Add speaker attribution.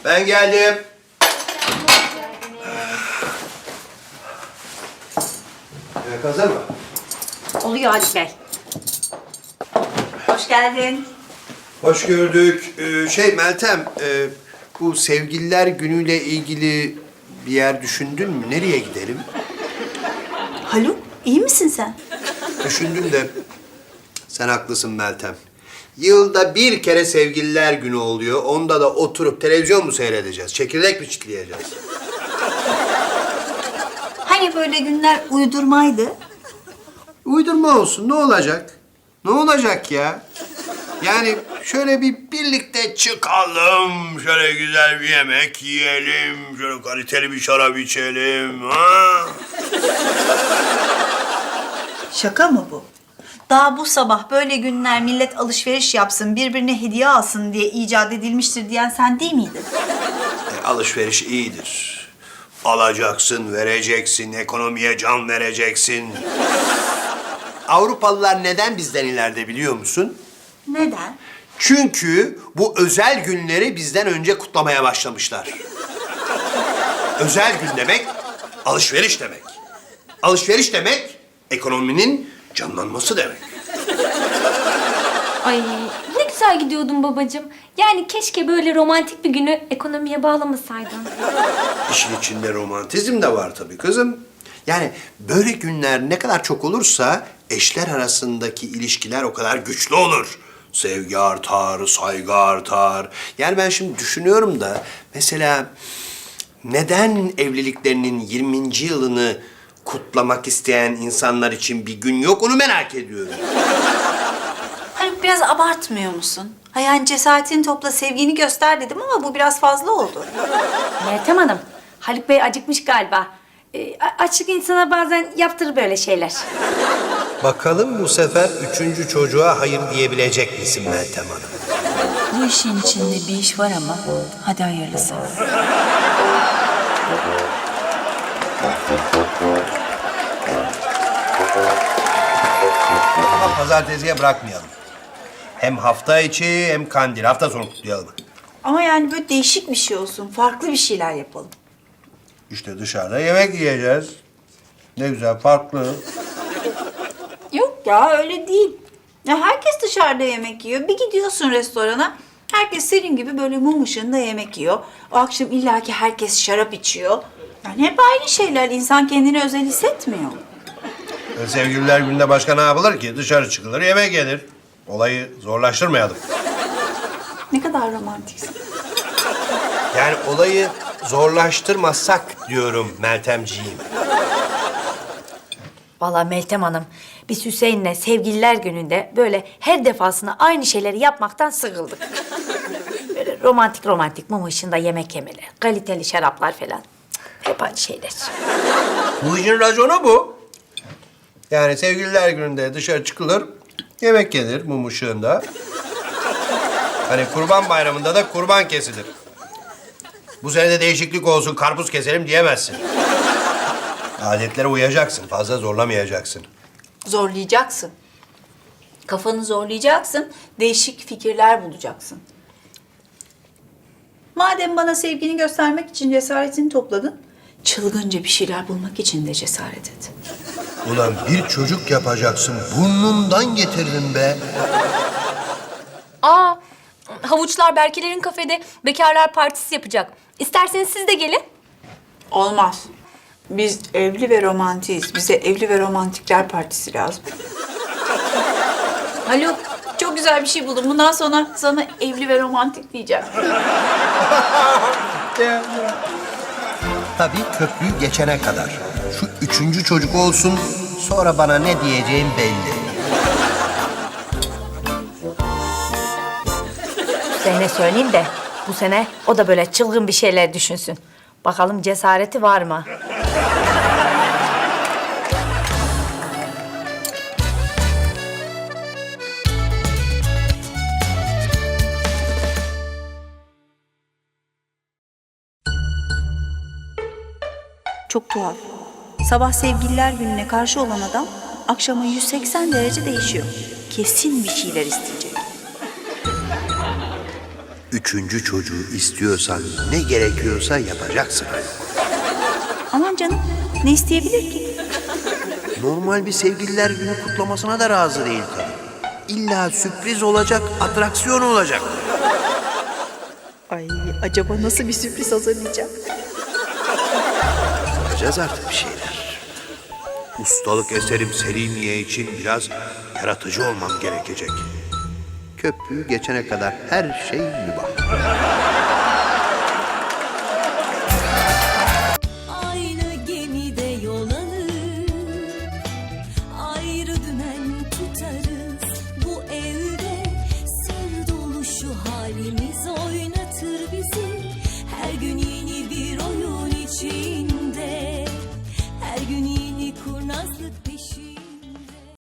Speaker 1: Ben geldim. Yemek hazır mı?
Speaker 2: Oluyor Halit Bey. Hoş geldin.
Speaker 1: Hoş gördük. Meltem, bu sevgililer günüyle ilgili bir yer düşündün mü? Nereye gidelim?
Speaker 2: Haluk, iyi misin sen?
Speaker 1: Düşündüm de sen haklısın Meltem. Yılda bir kere sevgililer günü oluyor. Onda da oturup televizyon mu seyredeceğiz? Çekirdek mi çitleyeceğiz?
Speaker 2: Hani böyle günler uydurmaydı?
Speaker 1: Uydurma olsun. Ne olacak? Ne olacak ya? Yani şöyle bir birlikte çıkalım. Şöyle güzel bir yemek yiyelim. Şöyle kaliteli bir şarap içelim. Ha?
Speaker 2: Şaka mı bu? Daha bu sabah böyle günler millet alışveriş yapsın, birbirine hediye alsın diye icat edilmiştir diyen sen değil miydin?
Speaker 1: Alışveriş iyidir. Alacaksın, vereceksin, ekonomiye can vereceksin. Avrupalılar neden bizden ileride biliyor musun?
Speaker 2: Neden?
Speaker 1: Çünkü bu özel günleri bizden önce kutlamaya başlamışlar. Özel gün demek, alışveriş demek. Alışveriş demek, ekonominin canlanması demek.
Speaker 3: Ay ne güzel gidiyordun babacığım. Yani keşke böyle romantik bir günü ekonomiye bağlamasaydın.
Speaker 1: İşin içinde romantizm de var tabii kızım. Yani böyle günler ne kadar çok olursa eşler arasındaki ilişkiler o kadar güçlü olur. Sevgi artar, saygı artar. Yani ben şimdi düşünüyorum da mesela neden evliliklerinin 20. yılını kutlamak isteyen insanlar için bir gün yok onu merak ediyorum.
Speaker 2: Haluk biraz abartmıyor musun? Ha yani cesaretini topla, sevgini göster dedim ama bu biraz fazla oldu.
Speaker 3: Meltem Hanım, Haluk Bey acıkmış galiba. Açlık insana bazen yaptırır böyle şeyler.
Speaker 1: Bakalım bu sefer 3. çocuğa hayır diyebilecek misin Meltem Hanım?
Speaker 2: Bu işin içinde bir iş var ama hadi hayırlısı.
Speaker 1: Ama pazartesiye bırakmayalım. Hem hafta içi hem kandil. Hafta sonu kutlayalım.
Speaker 2: Ama yani böyle değişik bir şey olsun, farklı bir şeyler yapalım.
Speaker 1: İşte dışarıda yemek yiyeceğiz. Ne güzel, farklı.
Speaker 2: Yok ya öyle değil. Ya herkes dışarıda yemek yiyor. Bir gidiyorsun restorana, herkes senin gibi böyle mum ışığında yemek yiyor. O akşam illaki herkes şarap içiyor. Yani hep aynı şeyler. İnsan kendini özel hissetmiyor.
Speaker 1: Sevgililer gününde başka ne yapılır ki? Dışarı çıkılır, yemek yenir. Olayı zorlaştırmayalım.
Speaker 2: Ne kadar romantiksin.
Speaker 1: Yani olayı zorlaştırmasak diyorum Meltemciğim.
Speaker 3: Vallahi Meltem Hanım, biz Hüseyin'le sevgililer gününde böyle her defasında aynı şeyleri yapmaktan sıkıldık. Böyle romantik romantik mum ışığında yemek yemeler, kaliteli şaraplar falan. Hep aynı şeyler.
Speaker 1: Bu işin raconu bu. Yani sevgililer gününde dışarı çıkılır, yemek yenir mum ışığında. Hani kurban bayramında da kurban kesilir. Bu sene de değişiklik olsun, karpuz keselim diyemezsin. Adetlere uyacaksın, fazla zorlamayacaksın.
Speaker 2: Zorlayacaksın. Kafanı zorlayacaksın, değişik fikirler bulacaksın. Madem bana sevgini göstermek için cesaretini topladın, çılgınca bir şeyler bulmak için de cesaret et.
Speaker 1: Ulan bir çocuk yapacaksın, burnumdan getirdin be.
Speaker 3: Aa, havuçlar Berkelerin kafede bekarlar partisi yapacak. İsterseniz siz de gelin.
Speaker 2: Olmaz. Biz evli ve romantiyiz. Bize evli ve romantikler partisi lazım. Haluk, çok güzel bir şey buldum. Bundan sonra sana evli ve romantik diyeceğim.
Speaker 1: Tabii köprüyü geçene kadar. Şu 3. çocuk olsun, sonra bana ne diyeceğim belli.
Speaker 3: Hüseyin'e söyleyeyim de bu sene o da böyle çılgın bir şeyler düşünsün. Bakalım cesareti var mı?
Speaker 2: Çok tuhaf. Sabah sevgililer gününe karşı olan adam akşama 180 derece değişiyor. Kesin bir şeyler isteyecek.
Speaker 1: Üçüncü çocuğu istiyorsan ne gerekiyorsa yapacaksın.
Speaker 2: Aman canım, ne isteyebilir ki?
Speaker 1: Normal bir sevgililer günü kutlamasına da razı değil tabii. İlla sürpriz olacak, atraksiyon olacak.
Speaker 2: Ay, acaba nasıl bir sürpriz hazırlayacak?
Speaker 1: Yapacağız artık bir şeyler. Ustalık eserim Selimiye için biraz yaratıcı olmam gerekecek. Köprüyü geçene kadar her şey mübah.